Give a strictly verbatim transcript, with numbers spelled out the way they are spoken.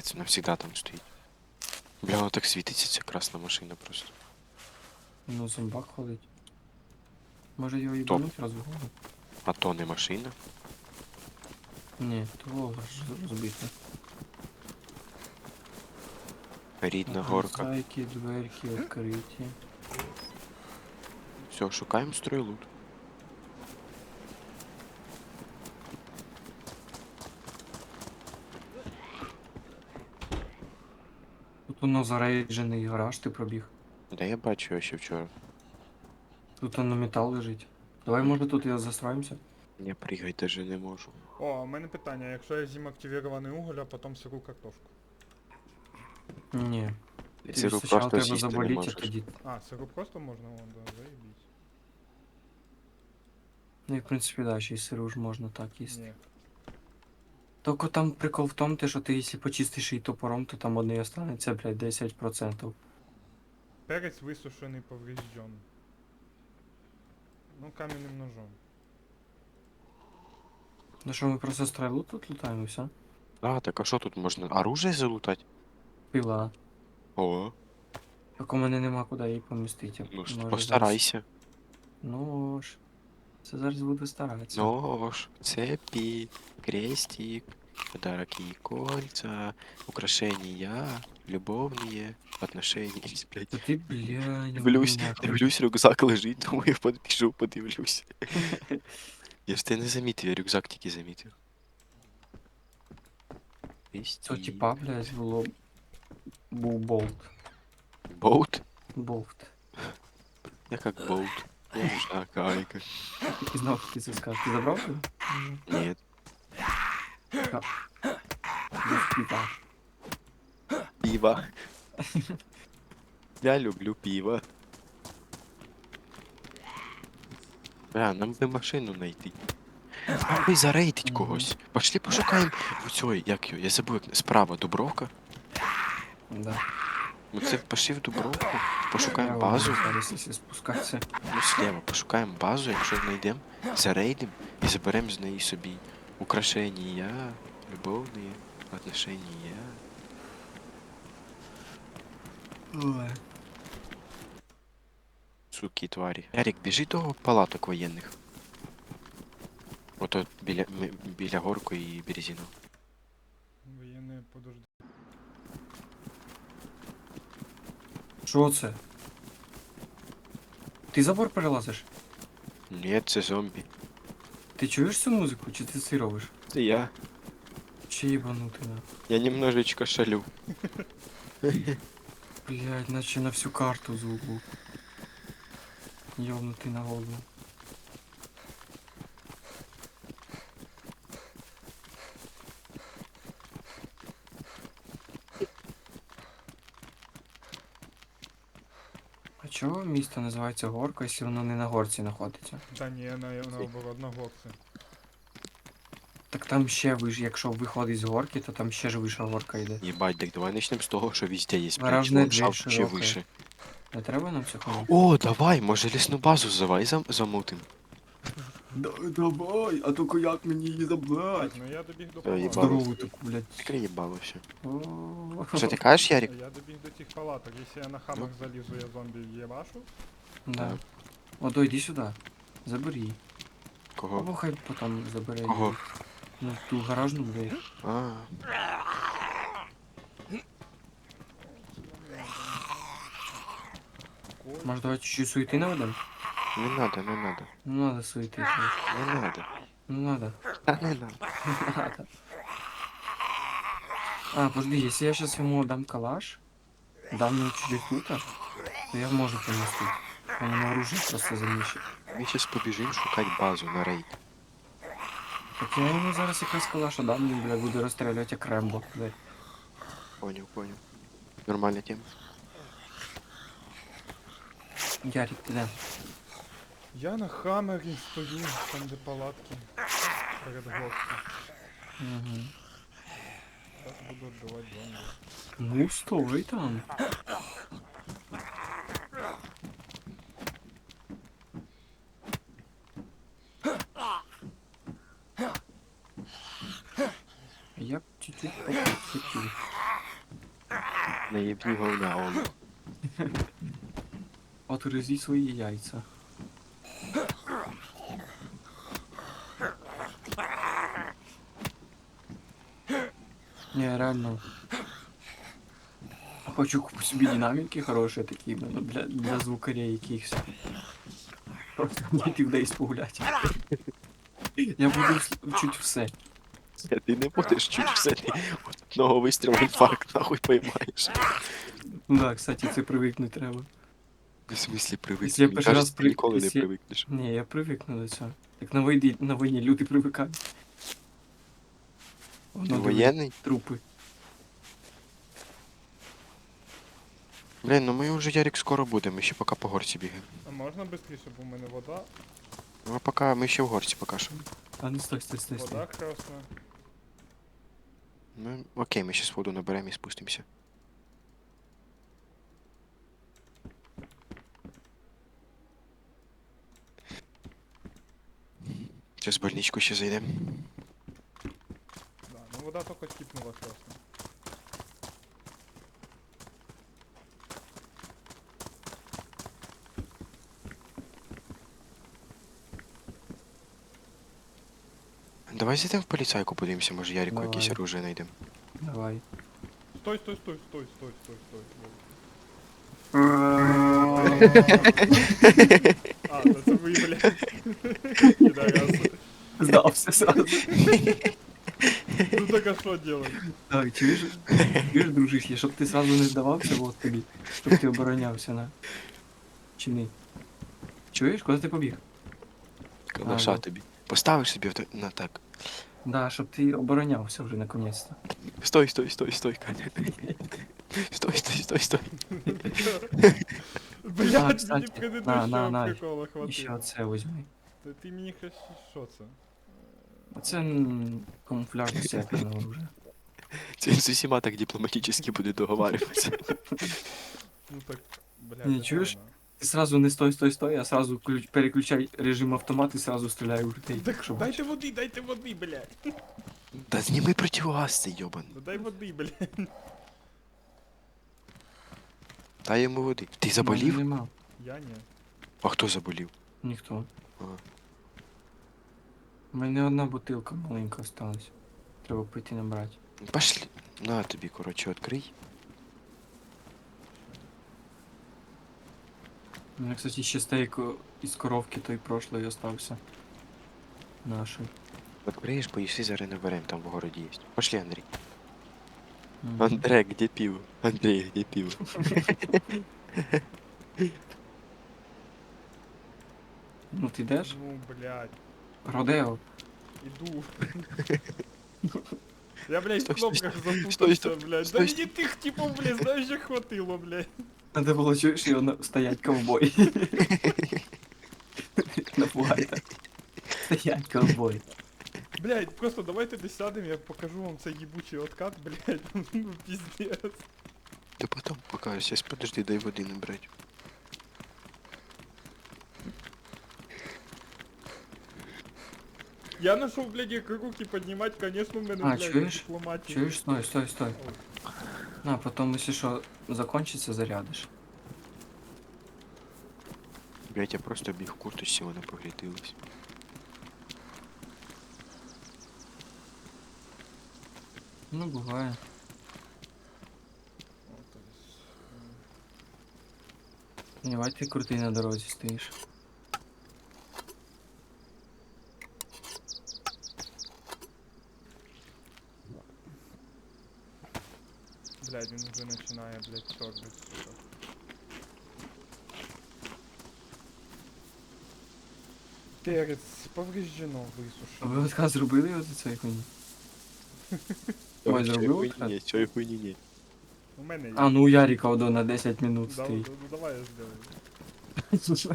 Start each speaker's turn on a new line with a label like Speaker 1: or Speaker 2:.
Speaker 1: Капець, вона завжди там стоїть. Бля, вона так світиться, ця красна машина просто.
Speaker 2: Ну, зомбак ходить. Може його
Speaker 1: Топ.
Speaker 2: їбануть разу в голову?
Speaker 1: А то не машина.
Speaker 2: Ні, того роз- розбити.
Speaker 1: Рідна горка.
Speaker 2: Зайки, дверки відкриті.
Speaker 1: Все, шукаємо стройлут.
Speaker 2: Тут воно зарейджений гараж, ти пробіг.
Speaker 1: Да я бачу його ще вчора.
Speaker 2: Тут воно метал лежить. Давай, може, тут його застроїмося?
Speaker 1: Я пригай даже не можу.
Speaker 3: О, у мене питання, якщо я з'їм активірований уголь, а потім сиру картошку.
Speaker 2: Ні.
Speaker 1: Ти
Speaker 2: Ти
Speaker 1: сиру
Speaker 2: спочатку
Speaker 1: просто
Speaker 2: треба
Speaker 1: сісти не
Speaker 2: заболіти, а
Speaker 1: можеш.
Speaker 2: тоді.
Speaker 3: А, сиру просто можна? О, да, заєбісь.
Speaker 2: Ну і в принципі, да, ще й сиру ж можна так їсти.
Speaker 3: Ні.
Speaker 2: Тільки там прикол в тому, те, що ти якщо почистиш її топором, то там одне останеться, блядь, десять процентів.
Speaker 3: Перець висушений поврежден. Ну, кам'яним ножом.
Speaker 2: Ну що, ми просто стрелу тут лутаємо і все?
Speaker 1: А, так а що тут можна? Оружие залутати?
Speaker 2: Пила.
Speaker 1: О,
Speaker 2: Так у мене нема куди її помістити.
Speaker 1: ну ж,
Speaker 2: Може,
Speaker 1: постарайся.
Speaker 2: Зараз... Ну ж. Це зараз буду старатися.
Speaker 1: Нож, цепи, крестик, подарок и кольца, украшения, любовные отношения. Блядь.
Speaker 2: Та ти, бля, не
Speaker 1: Дивлюсь,
Speaker 2: мене.
Speaker 1: дивлюсь, рюкзак лежить, думаю, підбіжу, подивлюсь. Я ж тебе не замітив, я рюкзак тільки замітив.
Speaker 2: Це
Speaker 1: Крестик.
Speaker 2: типа, блядь, було... Був болт.
Speaker 1: Болт?
Speaker 2: Болт.
Speaker 1: Я как болт. Я не знаю, кайка.
Speaker 2: І знову таки це сказав. Ти забрав його?
Speaker 1: Нет.
Speaker 2: Без піта.
Speaker 1: Пиво. Я люблю пиво. Бля, нам би машину знайти. Нам би зарейдить
Speaker 2: Мгм.
Speaker 1: когось. Пошли пошукаємо у цього, як його, я забув, як справа Дубровка.
Speaker 2: Да.
Speaker 1: Ми це пошли в Дубровку, пошукаємо
Speaker 2: Я
Speaker 1: базу.
Speaker 2: вам зараз, якщо спускатися.
Speaker 1: Ну, слева, пошукаємо базу, якщо знайдемо, зарейдимо і заберемо з неї собі украшення, любовні отношення.
Speaker 2: Ой.
Speaker 1: Суки, тварі. Ярик, біжи до палаток воєнних. Ото біля, ми- біля горку і березіну.
Speaker 3: Воєнне подожди.
Speaker 2: Що це? Ти забор перелазиш?
Speaker 1: Ні, це зомбі.
Speaker 2: Ти чуєш цю музику, чи ти це робиш?
Speaker 1: Це я.
Speaker 2: Чи їбанути на?
Speaker 1: Я немножечко шалю.
Speaker 2: Блядь, наче на всю карту звук був. Йобнутий на голову. А чого місто називається горка, якщо воно не на горці знаходиться?
Speaker 3: Та ні, на, наоборот, на горці.
Speaker 2: Так там ще виш, якщо виходить з горки, то там ще ж вища горка йде.
Speaker 1: Єбать, так давай начнем з того, що везде є, блядь,
Speaker 2: Гаражна
Speaker 1: ландшафт
Speaker 2: двір
Speaker 1: чи
Speaker 2: широка.
Speaker 1: вище.
Speaker 2: Не треба нам цього?
Speaker 1: О, давай, може лісну базу завай зам замутим.
Speaker 2: Давай, а тільки як мені її
Speaker 3: Так,
Speaker 2: забрати?
Speaker 3: ну я добіг до
Speaker 1: Та
Speaker 3: палаток.
Speaker 1: їбало.
Speaker 2: Здорову таку, блядь.
Speaker 1: Таке їбало все.
Speaker 2: О,
Speaker 1: Що ти кажеш, Ярик?
Speaker 3: Я добіг до тих палаток. Якщо я на хамах залізу, я зомбі єбашу.
Speaker 2: Да.
Speaker 1: Так.
Speaker 2: Ото йди сюди. Забери її.
Speaker 1: Кого?
Speaker 2: Або хай потім забере
Speaker 1: Кого?
Speaker 2: її. Ну, ту гаражну двері.
Speaker 1: А,
Speaker 2: Може, давай чуть-чуть суети наведем?
Speaker 1: не надо, не надо.
Speaker 2: Ну, надо суети. конечно.
Speaker 1: Не надо.
Speaker 2: Ну, надо.
Speaker 1: Та не надо.
Speaker 2: Надо. А, подожди, если я сейчас ему дам калаш, дам ему чуть-чуть лута, то я можу поместить. Он ему оружие просто заміщить.
Speaker 1: Ми зараз побіжимо шукати базу на рейд.
Speaker 2: Так я йому зараз якраз калаша дам, він, бля, буде розстрілювати як Рембо. Дай.
Speaker 1: Понял, понял. Нормальна тема.
Speaker 2: Ярик, ти де?
Speaker 3: Я на хамері стою, там де палатки. Перед горкою.
Speaker 2: Угу.
Speaker 3: Зараз буду відбивати зомбі.
Speaker 2: Ну, стой там. Я б чуть-чуть хотів.
Speaker 1: Наїбні говна, он.
Speaker 2: От гризі свої яйця. Не, реально. Хочу купити собі динаміки хороші такі, ну, для, для звукарей якихось. Просто діти десь погуляти. Я буду вс- чуть все.
Speaker 1: Е, Ти не будеш чуть все, ти от одного вистрілу інфаркт нахуй поймаєш.
Speaker 2: Ну да, кстати, це привикнути треба.
Speaker 1: В смислі
Speaker 2: Якщо я
Speaker 1: привикнеш? Мені
Speaker 2: перший раз
Speaker 1: кажеться, ти
Speaker 2: при-
Speaker 1: ніколи не
Speaker 2: якщо я-
Speaker 1: привикнеш.
Speaker 2: Ні, я привикну до цього. Так на війні, на війні люди привикають. Воно
Speaker 1: Ти
Speaker 2: диви,
Speaker 1: воєнний?
Speaker 2: трупи.
Speaker 1: Блін, ну ми вже, Ярик, скоро будемо, ми ще поки по горці бігаємо.
Speaker 3: А можна швидше, бо в мене вода.
Speaker 1: Ну а поки ми ще в горці поки що.
Speaker 2: А ну стой, стой, стой, стой.
Speaker 3: Вода красна.
Speaker 1: Ну, окей, ми зараз воду наберемо і спустимося. Зараз в больничку ще зайдемо.
Speaker 3: Да, ну вода тільки кипнула красна.
Speaker 1: Давай зайдемо в поліцайку, подивимося, може Ярику
Speaker 2: Давай.
Speaker 1: якесь оружие знайдемо.
Speaker 2: Давай.
Speaker 3: Стой, стой, стой, стой, стой, стой, стой. А, да це ви, блядь. Підараси.
Speaker 2: Здався сразу.
Speaker 3: Ну так а що делать?
Speaker 2: Так, чуєш, чуєш, дружище, щоб ти сразу не здавався, вот тобі, щоб ти оборонявся на. Чи ні? Чуєш, куди ти побіг?
Speaker 1: Калаша
Speaker 2: Ага.
Speaker 1: тобі. Поставиш собі в на так.
Speaker 2: Да, щоб ти оборонявся вже наконець-то.
Speaker 1: Стой, стой, стой, стой, Каня. Стой, стой, стой, стой.
Speaker 2: А,
Speaker 3: Блядь, мені
Speaker 2: кстати, на, на,
Speaker 3: предыдущого
Speaker 2: на.
Speaker 3: прикола
Speaker 2: І ще
Speaker 3: хватило.
Speaker 2: оце візьми.
Speaker 3: Та ти мені хоч що це?
Speaker 2: Оце м, камуфляжне секретне оружие.
Speaker 1: Це він з усіма так дипломатично буде договарюватися.
Speaker 3: Ну так, блядь.
Speaker 2: Не, чуєш?
Speaker 3: реально.
Speaker 2: Ти сразу не стой, стой, стой, а сразу ключ- переключай режим автомат і сразу стріляй у людей.
Speaker 3: Так
Speaker 2: щоб
Speaker 3: дайте води, дайте води, блядь.
Speaker 1: Та зніми противогаз цей йобан.
Speaker 3: Ну дай води, блядь.
Speaker 1: Дай йому води. Ти
Speaker 2: Мене
Speaker 1: заболів?
Speaker 2: Нема.
Speaker 3: Я ні.
Speaker 1: А хто заболів?
Speaker 2: Ніхто.
Speaker 1: Ага.
Speaker 2: У мене одна бутилка маленька осталась. Треба пити набрати.
Speaker 1: Пошли. На тобі, коротше, відкрий.
Speaker 2: У мене, кстати, ще стейк о, із коровки той прошлої остався. Нашої.
Speaker 1: Відкриєш, поїси, зараз наберемо, там в городі є. Пошли, Андрій.
Speaker 2: Мгм.
Speaker 1: Андрей, где пиво? Андрей, где пиво?
Speaker 2: Ну ти йдеш?
Speaker 3: Ну, блядь.
Speaker 2: Родео.
Speaker 3: Иду. Я, блядь, в
Speaker 1: Стой, стой,
Speaker 3: кнопках
Speaker 1: стой,
Speaker 3: запутался,
Speaker 1: стой,
Speaker 3: блядь. Да
Speaker 1: стой,
Speaker 3: мне тих типов, блядь, знаешь, як хватило, блядь.
Speaker 2: Надо було чуєш його на... стоять ковбой. Напугай так. Стоять ковбой.
Speaker 3: Блядь, просто давайте десь сядем, я покажу вам цей ебучий откат, блядь. Ну, пиздец.
Speaker 1: Да потом покажешь, сейчас подожди, дай воды набрать.
Speaker 3: Я нашел, блядь, як руки поднимать, конечно, у мене,
Speaker 2: А,
Speaker 3: блядь,
Speaker 2: чуєш?
Speaker 3: дипломатія.
Speaker 2: Чуєш? Стой, стой, стой. На, потом, если что, закончится, зарядиш.
Speaker 1: Блять, я просто біг в курточці, вона погрітилась.
Speaker 2: Ну, буває.
Speaker 3: О, то есть,
Speaker 2: Давай ти крутий на дорозі стоїш.
Speaker 3: блядь, він уже починає, блядь, чорнить, сука. Перець повреждено,
Speaker 2: А
Speaker 3: висушено.
Speaker 2: ви отказ зробили от цієї хуйні? Ой, зробив откат?
Speaker 1: Ні, цієї хуйні ні.
Speaker 3: У мене є.
Speaker 2: А, ну у Ярика одо на десять минут
Speaker 3: Да,
Speaker 2: стоїть.
Speaker 3: да, ну, давай я сделаю.